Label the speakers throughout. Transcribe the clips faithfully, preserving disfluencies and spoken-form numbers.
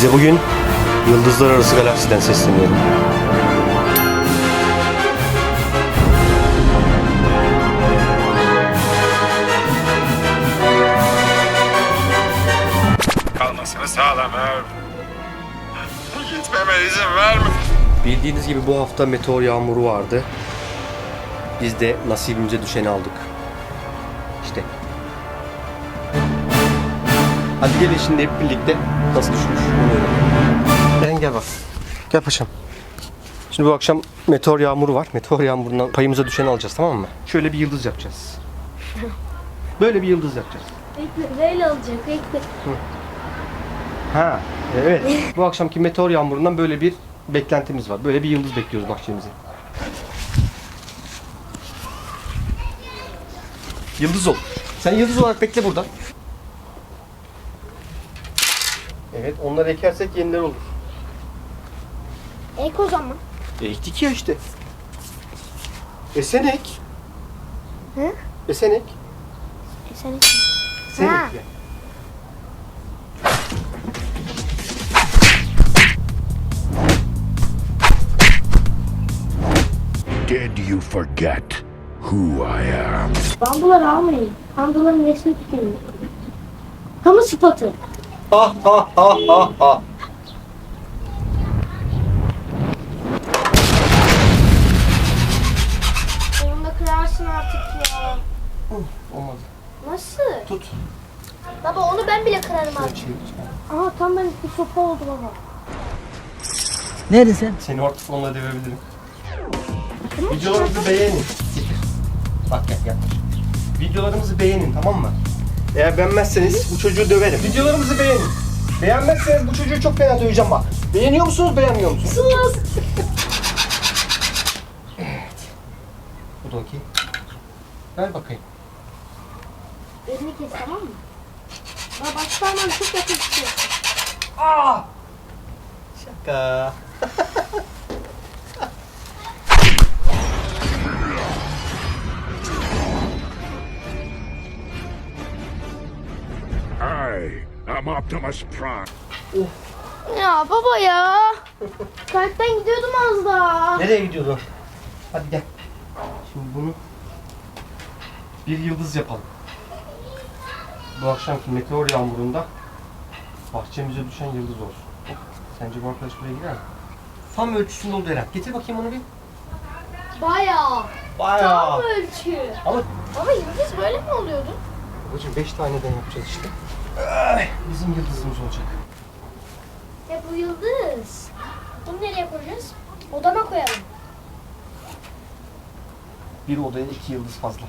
Speaker 1: Size bugün Yıldızlar Arası Galaksiden sesleniyorum.
Speaker 2: Kalmasını sağlamam. Gitmeme izin verme.
Speaker 1: Bildiğiniz gibi bu hafta meteor yağmuru vardı. Biz de nasibimize düşeni aldık. İşte. Hadi gelin şimdi hep birlikte nasıl düşmüş onu öğrenelim. Eren gel bak. Gel paşam. Şimdi bu akşam meteor yağmuru var. Meteor yağmurundan payımıza düşeni alacağız, tamam mı? Şöyle bir yıldız yapacağız. Böyle bir yıldız yapacağız.
Speaker 3: Bekle, böyle olacak, bekle.
Speaker 1: Ha, evet. Bu akşamki meteor yağmurundan böyle bir beklentimiz var. Böyle bir yıldız bekliyoruz bahçemize. Yıldız ol. Sen yıldız olarak bekle burada. Evet, onları ekersek yeniler olur.
Speaker 3: Ek o zaman.
Speaker 1: E ektik ya işte. Esen ek.
Speaker 3: Hı?
Speaker 1: Esen ek.
Speaker 3: E sen ek.
Speaker 1: Sen
Speaker 3: Ha.
Speaker 1: ek.
Speaker 4: Did you forget who I am?
Speaker 3: Bambuları almayın. Bambuların resmi tükenin. Kamu spotu.
Speaker 1: Ha ha ha ha ha.
Speaker 3: Onu da kırarsın artık ya.
Speaker 1: Olmadı.
Speaker 3: Nasıl?
Speaker 1: Tut.
Speaker 3: Baba onu ben bile kırarım artık.
Speaker 1: Çevir.
Speaker 3: Aa tam ben bir sopa oldu baba.
Speaker 5: Neredesin?
Speaker 1: Seni artık onunla dövebilirim. Videolarımızı beğenin. Bak gel gel. Videolarımızı beğenin, tamam mı? Eğer beğenmezseniz bu çocuğu döverim. Videolarımızı beğenin. Beğenmezseniz bu çocuğu çok fena döveceğim bak. Beğeniyor musunuz, beğenmiyor musunuz?
Speaker 3: Sus.
Speaker 1: Evet. Bu da okey. Ver bakayım.
Speaker 3: Elini kes tamam mı? Baba başlarman çok yakın tutuyor.
Speaker 1: Aa! Şaka.
Speaker 4: I am Optimus Prime.
Speaker 3: Ya baba ya. Kalpten gidiyordum az daha.
Speaker 1: Nereye gidiyordu? Hadi gel. Şimdi bunu bir yıldız yapalım. Bu akşamki meteor yağmurunda bahçemize düşen yıldız olsun. Sence bu arkadaş buraya girer mi? Tam ölçüsünde oldu Eren. Getir bakayım onu bir.
Speaker 3: Bayağı.
Speaker 1: Bayağı.
Speaker 3: Tam ölçü.
Speaker 1: Ama
Speaker 3: Baba yıldız böyle mi oluyordu?
Speaker 1: babacığım beş taneden yapacağız işte. Ay, bizim yıldızımız olacak.
Speaker 3: Ya bu yıldız. Bunu nereye koyacağız? Odama koyalım.
Speaker 1: Bir odaya iki yıldız fazla.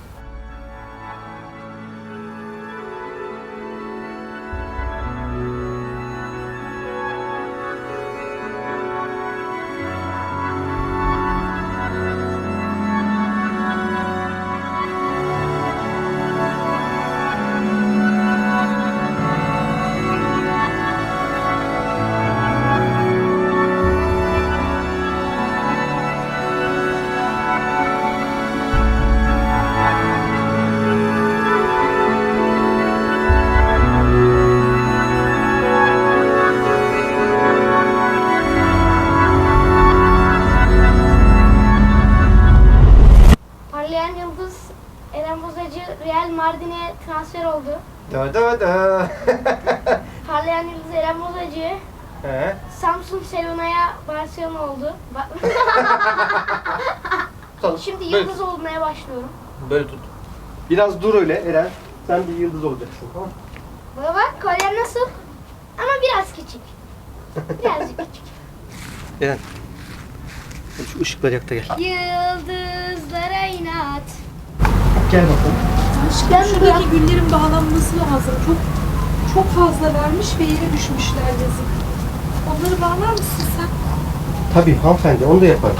Speaker 3: Parlayan yıldız Eren Bozacı Real Mardin'e transfer oldu.
Speaker 1: Da da da.
Speaker 3: Parlayan yıldız Eren Bozacı
Speaker 1: He.
Speaker 3: Samsun Selona'ya Barcelona oldu. Ba-
Speaker 1: Tamam.
Speaker 3: Şimdi
Speaker 1: Böyle
Speaker 3: yıldız olmaya başlıyorum.
Speaker 1: tut. Böyle tut. Biraz dur öyle Eren. Sen bir yıldız olacaksın, tamam mı?
Speaker 3: Baba bak kolyen nasıl? Ama biraz küçük. Birazcık küçük.
Speaker 1: Eren. Şu ışıkları yak da gel.
Speaker 3: Yıldızlara inat.
Speaker 1: Gel bakalım.
Speaker 3: Ben
Speaker 6: Şuradaki güllerin bağlanması lazım. Çok çok fazla vermiş ve yere düşmüşler yazık. Onları bağlar mısın sen?
Speaker 1: Tabii hanımefendi, onu da yaparım.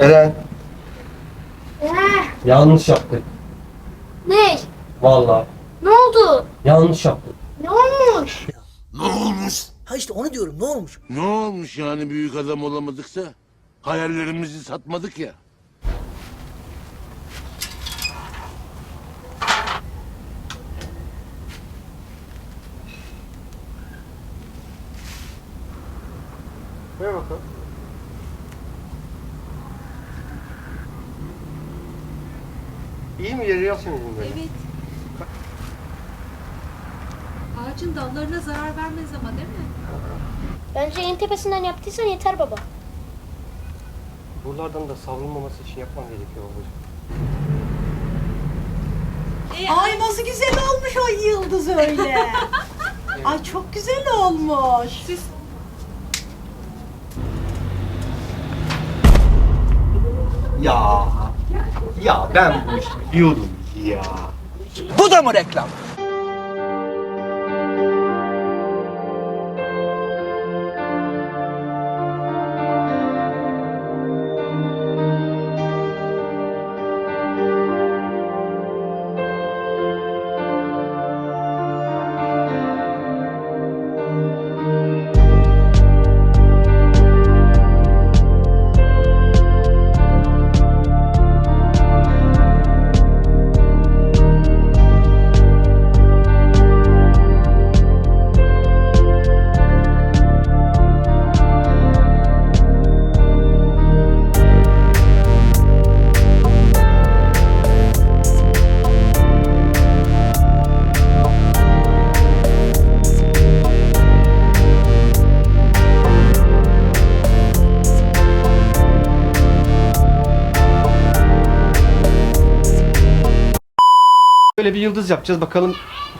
Speaker 1: Eren.
Speaker 3: Eh,
Speaker 1: Yanlış yaptık.
Speaker 3: ne?
Speaker 1: Vallahi.
Speaker 3: Ne oldu?
Speaker 1: Yanlış yaptık.
Speaker 3: Ne olmuş?
Speaker 5: Ne olmuş?
Speaker 7: Ha işte onu diyorum, ne olmuş?
Speaker 5: Ne olmuş yani büyük adam olamadıksa? Hayallerimizi satmadık ya.
Speaker 1: Ver bakalım. İyi mi yeri yapsın böyle?
Speaker 6: Evet. Ağacın dallarına zarar vermez ama değil mi?
Speaker 3: Bence en tepesinden yaptıysan yeter baba.
Speaker 1: Buralardan da savrulmaması için yapman gerekiyor babacığım.
Speaker 8: Ay nasıl güzel olmuş o yıldız öyle. Ay çok güzel olmuş.
Speaker 6: Siz
Speaker 1: Ya. Ya ben bu işi biliyordum ya.
Speaker 7: Bu da mı reklam?
Speaker 1: Böyle bir yıldız yapacağız bakalım.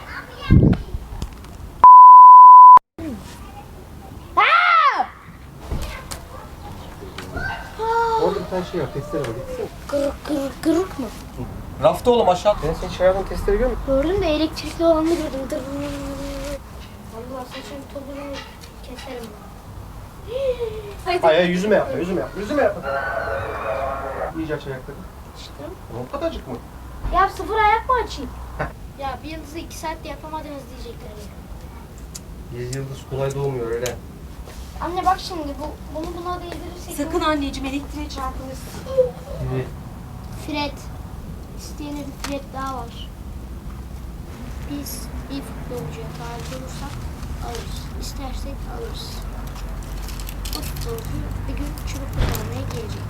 Speaker 1: Orada bir tane şey var, testere var. Gitsene.
Speaker 3: Kırık kırık kırık mı?
Speaker 1: Rafta oğlum aşağı. Ben senin çayardan testere görmedim.
Speaker 3: Gördüm de elektrikli olanı gördüm. Dır. Allah saçın tozunu keserim.
Speaker 1: Hayır hayır yüzüme yapma, yüzüme yapma, yüzüme yapma. İyice aç ayakları.
Speaker 3: İşte.
Speaker 1: O kadarcık mı?
Speaker 3: Ya sıfır ayak mı açayım? Ya bir yıldızı iki saatte yapamadınız diyecekler ya.
Speaker 1: Bir yıldız kolay doğmuyor öyle.
Speaker 3: Anne bak şimdi bu bunu buna değdirirsek...
Speaker 8: Sakın anneciğim elektriğe çarpılırsın.
Speaker 1: Gibi.
Speaker 3: Fred. İsteyene bir Fred daha var. Biz bir futbolcuya talip olursak alırız. İstersek alırız. O futbolcu bir gün çubuk kazanmaya gelecek.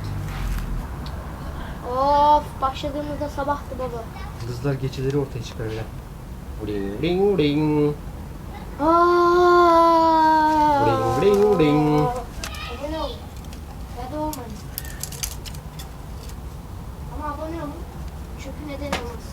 Speaker 3: Of başladığımızda sabahtı baba.
Speaker 1: Yıldızlar geceleri ortaya çıkar öyle. Ring ring ring.
Speaker 3: Aaaa.
Speaker 1: Ring ring ring.
Speaker 3: Abone olun. Ya da olmayın. Ama abone olun. Çünkü neden olmaz.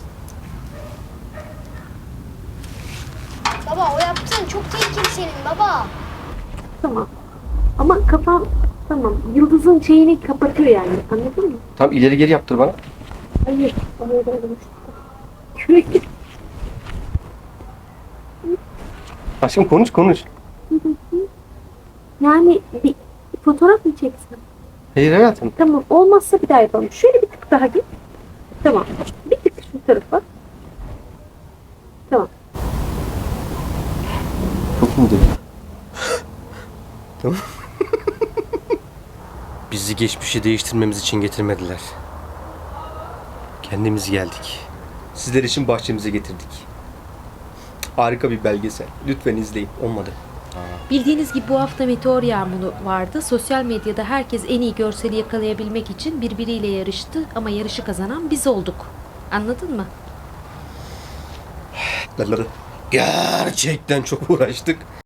Speaker 3: Baba o yaptığın çok tehlikeli senin baba.
Speaker 9: Tamam. Ama kafam tamam. Yıldızın şeyini kapatıyor yani. Anladın mı?
Speaker 1: Tam ileri geri yaptır bana.
Speaker 9: Hayır. Oraya da Sürekli.
Speaker 1: Aşkım konuş konuş.
Speaker 9: Yani bir fotoğraf mı çeksin?
Speaker 1: Hayır hayatım.
Speaker 9: Tamam. Olmazsa bir daha yapalım. Şöyle bir tık daha git. Tamam. Bir tık şu tarafa. Tamam.
Speaker 1: Çok mu dedim? Tamam. Bizi geçmişi değiştirmemiz için getirmediler. Kendimiz geldik. Sizler için bahçemize getirdik. Harika bir belgesel. Lütfen izleyin. Olmadı.
Speaker 10: Bildiğiniz gibi bu hafta meteor yağmuru vardı. Sosyal medyada herkes en iyi görseli yakalayabilmek için birbiriyle yarıştı ama yarışı kazanan biz olduk. Anladın mı?
Speaker 1: Gerçekten çok uğraştık.